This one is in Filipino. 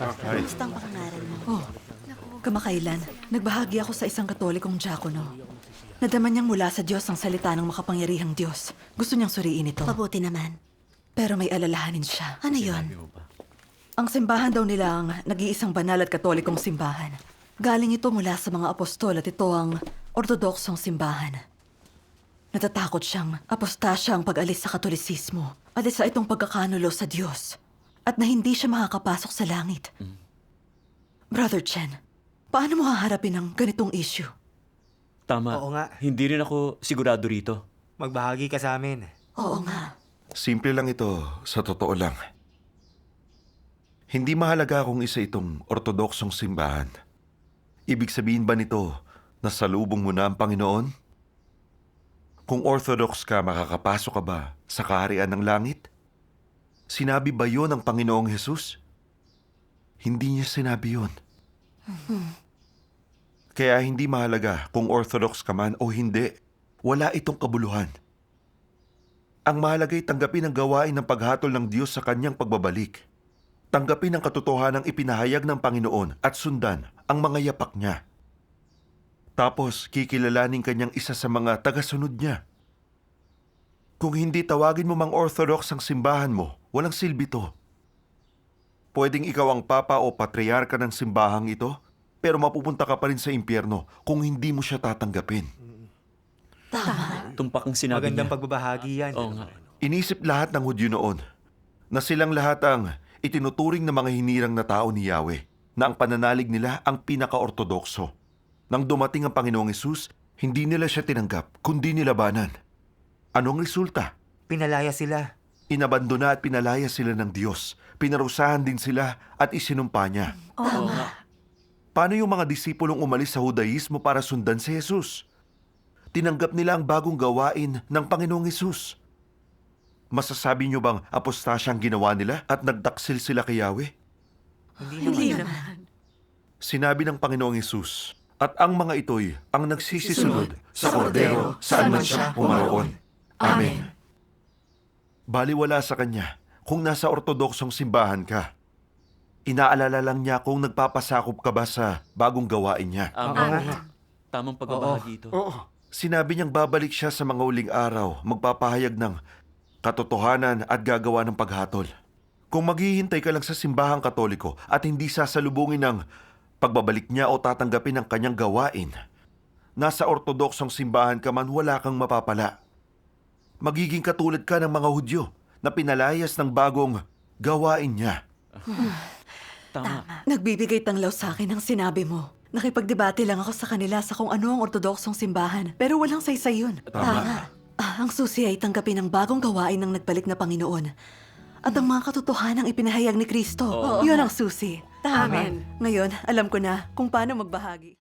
Kamusta ang pangangaral mo? Oh, kamakailan, nagbahagi ako sa isang katolikong diakono. Nadama niyang mula sa Diyos ang salita ng makapangyarihang Diyos. Gusto niyang suriin ito. Mabuti naman. Pero may alalahanin siya. Ano yon? Ang simbahan daw nila ang nag-iisang banal at katolikong simbahan. Galing ito mula sa mga apostol at ito ang ortodoksong simbahan. Natatakot siyang apostasya ang pag-alis sa katolisismo at isa itong pagkakanulo sa Diyos at na hindi siya makakapasok sa langit. Brother Chen, paano mo haharapin ang ganitong issue? Tama. Oo nga. Hindi rin ako sigurado rito. Magbahagi ka sa amin. Oo nga. Simple lang ito, sa totoo lang. Hindi mahalaga kung isa itong ortodoksong simbahan. Ibig sabihin ba nito na salubong mo na ang Panginoon? Kung orthodox ka, makakapasok ka ba sa kaharian ng langit? Sinabi ba yon ng Panginoong Hesus? Hindi niya sinabi yon. Kaya hindi mahalaga kung orthodox ka man o hindi. Wala itong kabuluhan. Ang mahalaga'y tanggapin ang gawain ng paghatol ng Diyos sa kanyang pagbabalik. Tanggapin ang katotohanang ipinahayag ng Panginoon at sundan ang mga yapak niya. Tapos, kikilalanin kanyang isa sa mga tagasunod niya. Kung hindi tawagin mo mang orthodox ang simbahan mo, walang silbi to. Pwedeng ikaw ang papa o patriarka ng simbahang ito, pero mapupunta ka pa rin sa impyerno kung hindi mo siya tatanggapin. Tama. Tumpak ang sinabi Magandang niya. pagbabahagi yan. Oo nga. Inisip lahat ng Hudyo noon na silang lahat ang itinuturing na mga hinirang na tao ni Yahweh, na ang pananalig nila ang pinaka-ortodokso. Nang dumating ang Panginoong Hesus, hindi nila siya tinanggap, kundi nilabanan. Anong resulta? Pinalaya sila. Inabandona at pinalaya sila ng Diyos. Pinarusahan din sila at isinumpa niya. Oo nga. Paano yung mga disipulong umalis sa Hudaismo para sundan si Jesus? Tinanggap nila ang bagong gawain ng Panginoong Hesus. Masasabi niyo bang apostasya ang ginawa nila at nagdaksil sila kay Yahweh? Hindi naman. Sinabi ng Panginoong Hesus, at ang mga ito'y ang nagsisisunod sa kordero saan man siya pumaroon. Amen. Baliwala sa kanya kung nasa ortodoksong simbahan ka. Inaalala lang niya kung nagpapasakop ka ba sa bagong gawain niya. Amen. Tamang pagbabahagi ito. Sinabi niyang babalik siya sa mga uling araw, magpapahayag ng katotohanan at gagawa ng paghatol. Kung maghihintay ka lang sa simbahang katoliko at hindi sasalubungin ng pagbabalik niya o tatanggapin ang kanyang gawain, nasa ortodoksong simbahan ka man, wala kang mapapala. Magiging katulad ka ng mga Hudyo na pinalayas ng bagong gawain niya. Tama. Nagbibigay tanglaw sa akin ang sinabi mo. Nakipagdebate lang ako sa kanila sa kung ano ang ortodoksong simbahan, pero walang saysay yun. Tama. Ang susi ay tanggapin ang bagong gawain ng nagbalik na Panginoon. At ang mga katotohanang ipinahayag ni Kristo. Yun ang susi. Amen. Ngayon, alam ko na kung paano magbahagi.